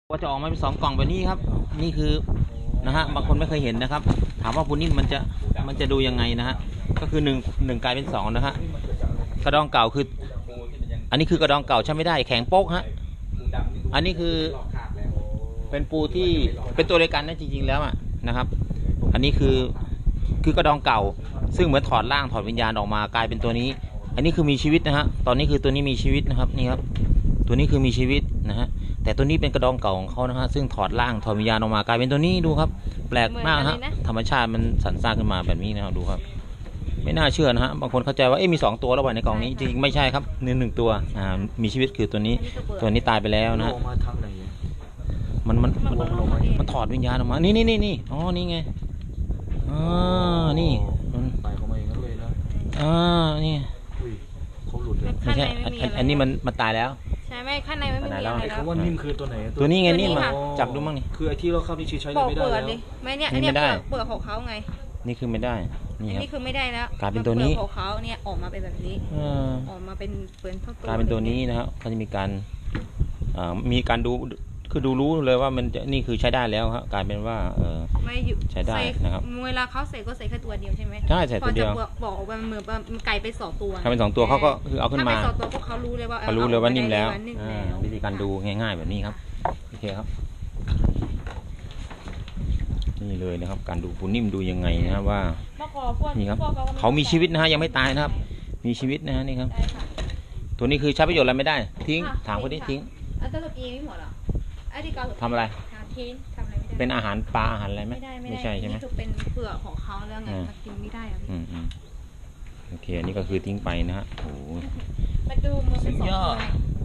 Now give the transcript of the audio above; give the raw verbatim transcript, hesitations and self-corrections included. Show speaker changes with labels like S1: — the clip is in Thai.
S1: ก็จะออกมาเป็นสองกล่องแบบนี้ครับนี่คือนะฮะบางคนไม่เคยเห็นนะครับถามว่าปูนิ่มมันจะมันจะดูยังไงนะฮะก็คือหนึ่งหนึ่งกลายเป็นสองนะฮะกระดองเก่าคืออันนี้คือกระดองเก่าใช้ไม่ได้แข็งโป๊กฮะอันนี้คือเป็นปูที่เป็นตัวเดียวกันนะจริงๆแล้วอ่ะนะครับอันนี้คือคือกระดองเก่าซึ่งเหมือนถอดร่างถอดวิญญาณออกมากลายเป็นตัวนี้อันนี้คือมีชีวิตนะฮะตอนนี้คือตัวนี้มีชีวิตนะครับนี่ครับตัวนี้คือมีชีวิตนะฮะแต่ตัวนี้เป็นกระดองเก่าของเขานะฮะซึ่งถอดร่างถอดวิญญาณออกมากลายเป็นตัวนี้ดูครับแปลกมากฮะธรรมชาติมันสรรสร้างขึ้นมาแบบนี้นะครับดูครับไม่น่าเชื่อนะฮะบางคนเข้าใจว่าเอ๊ะมีสองตัวแล้วไว้ในกล่องนี้จริงๆไม่ใช่ครับหนึ่งหนึ่งตัวอ่ามีชีวิตคือตัวนี้ตัวนี้ตายไปแล้วนะฮะมันมันมันมันถอดวิญญาณออกมานี่นี่นี่นี่อ๋อนี่ไงอ๋อนี่มันตายเข้ามาเองเลยนะอ่านี่เขาหลุดเลยไม่ใช่อันนี้มันมันตายแล้ว
S2: ใช่ไหมข้างในไม่มีอะไรแล้ว
S3: เขาว่านิ่มคือตัวไหน
S1: ตัวนี้ไงนิ่มจับดูมั่งนี่
S3: คือไอ้ที่เราเข้านี่ใช้เลยไม่ได้แล้ว
S2: ไม่เนี่ยอันนี้เปลือกเปลือกของเขาไง
S1: นี่คือไม่ได้นี่ครับ
S2: นี่คือไม่ได้แล้ว
S1: กลายเป็นตัวนี้
S2: ของเขาเนี่ยออกมาเป็นแบบนี้ออกมาเป็นเปลือกทั้งตัว
S1: กลายเป็นตัวนี้นะครับเขาจะมีการอ่ามีการดูคือดูรู้เลยว่ามันจะนี่คือใช้ได้แล้วครับกลายเป็นว่าเออ
S2: ไม่
S1: ใช้ได้นะครับ
S2: เวลาเขาใส่ก็ใส่แค่ตัวเดียวใช่ไหม
S1: ใช่ใส่ตัวเดียว
S2: บอกว่าเหมือนมันไก่ไปสองตัว
S1: ถ้าเป็นสองตัวเขาก็คือเอาขึ้นมา
S2: ถ้าเป็นสองตัวพวกเขารู้เลยว่า
S1: เขารู้เลยว่านิ่มแล้ววิธีการดูง่ายๆแบบนี้ครับโอเคครับนี่เลยนะครับการดูปูนิ่มดูยังไงนะครับว่านี่ครับเขามีชีวิตนะฮะยังไม่ตายนะครับมีชีวิตนะฮะนี่ครับตัวนี้คือใช้ประโยชน์อะไรไม่ได้ทิ้งถามคนนี้ทิ้ง
S2: อันตะกี้ไม่หมดหรอ
S1: ทำอะไร
S2: ทิ้งทำอะไรไม่ได้
S1: เป็นอาหารปลาอาหารอะไรไหม
S2: ไม่ใช่ใช่ไหมคือเป็นเปลือกของเขาแล้วไงกินไม่ได้อะ
S1: อืมอืมโอเคอันนี้ก็คือทิ้งไปนะฮะโอ้
S2: มาดูมันเป็นสองตัว